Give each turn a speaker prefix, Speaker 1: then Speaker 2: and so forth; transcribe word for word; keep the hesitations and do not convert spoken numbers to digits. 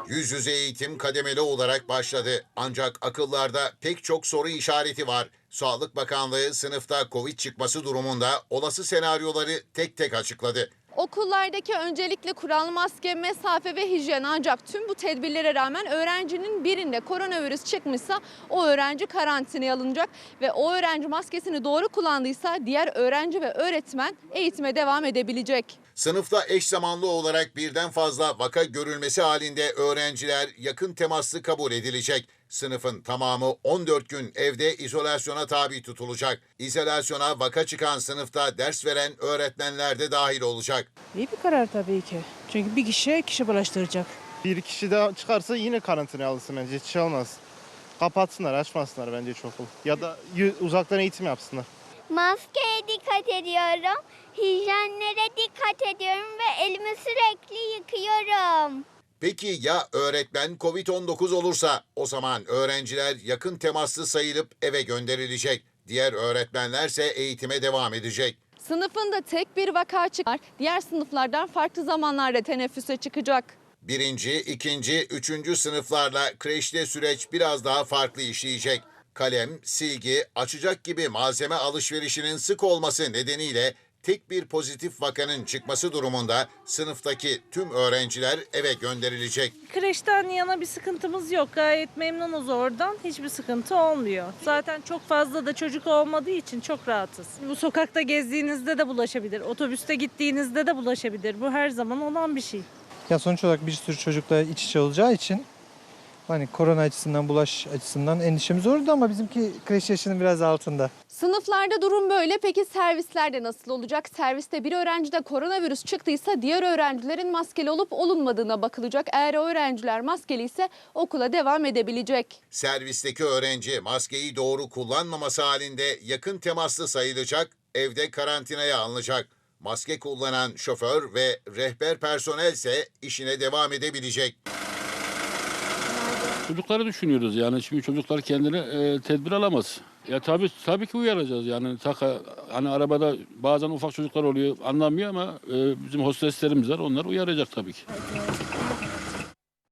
Speaker 1: Yüz yüze eğitim kademeli olarak başladı. Ancak akıllarda pek çok soru işareti var. Sağlık Bakanlığı sınıfta Covid çıkması durumunda olası senaryoları tek tek açıkladı.
Speaker 2: Okullardaki öncelikle kural, maske, mesafe ve hijyen, ancak tüm bu tedbirlere rağmen öğrencinin birinde koronavirüs çıkmışsa o öğrenci karantinaya alınacak ve o öğrenci maskesini doğru kullandıysa diğer öğrenci ve öğretmen eğitime devam edebilecek.
Speaker 1: Sınıfta eş zamanlı olarak birden fazla vaka görülmesi halinde öğrenciler yakın temaslı kabul edilecek. Sınıfın tamamı on dört gün evde izolasyona tabi tutulacak. İzolasyona vaka çıkan sınıfta ders veren öğretmenler de dahil olacak.
Speaker 3: İyi bir karar tabii ki. Çünkü bir kişiye kişi bulaştıracak.
Speaker 4: Bir kişi daha çıkarsa yine karantinaya alınsın bence. Hiç şey olmaz. Kapatsınlar, açmasınlar bence çok okul. Ya da uzaktan eğitim yapsınlar.
Speaker 5: Maskeye dikkat ediyorum, hijyenlere dikkat ediyorum ve elimi sürekli yıkıyorum.
Speaker 1: Peki ya öğretmen Covid on dokuz olursa? O zaman öğrenciler yakın temaslı sayılıp eve gönderilecek. Diğer öğretmenlerse eğitime devam edecek.
Speaker 2: Sınıfında tek bir vaka çıkar, diğer sınıflardan farklı zamanlarda teneffüse çıkacak.
Speaker 1: Birinci, ikinci, üçüncü sınıflarla kreşte süreç biraz daha farklı işleyecek. Kalem, silgi, açacak gibi malzeme alışverişinin sık olması nedeniyle tek bir pozitif vakanın çıkması durumunda sınıftaki tüm öğrenciler eve gönderilecek.
Speaker 3: Kreşten yana bir sıkıntımız yok. Gayet memnunuz oradan. Hiçbir sıkıntı olmuyor. Zaten çok fazla da çocuk olmadığı için çok rahatız. Bu sokakta gezdiğinizde de bulaşabilir. Otobüste gittiğinizde de bulaşabilir. Bu her zaman olan bir şey.
Speaker 6: Ya sonuç olarak bir sürü çocukla iç içe olacağı için hani korona açısından, bulaş açısından endişemiz olurdu ama bizimki kreş yaşının biraz altında.
Speaker 2: Sınıflarda durum böyle. Peki servislerde nasıl olacak? Serviste bir öğrencide koronavirüs çıktıysa diğer öğrencilerin maskeli olup olunmadığına bakılacak. Eğer o öğrenciler maskeli ise okula devam edebilecek.
Speaker 1: Servisteki öğrenci maskeyi doğru kullanmaması halinde yakın temaslı sayılacak, evde karantinaya alınacak. Maske kullanan şoför ve rehber personel ise işine devam edebilecek.
Speaker 7: Çocukları düşünüyoruz yani şimdi çocuklar kendine e, tedbir alamaz. Ya tabii tabii ki uyaracağız yani taka hani arabada bazen ufak çocuklar oluyor anlamıyor ama e, bizim hosteslerimiz var onlar uyaracak tabii ki.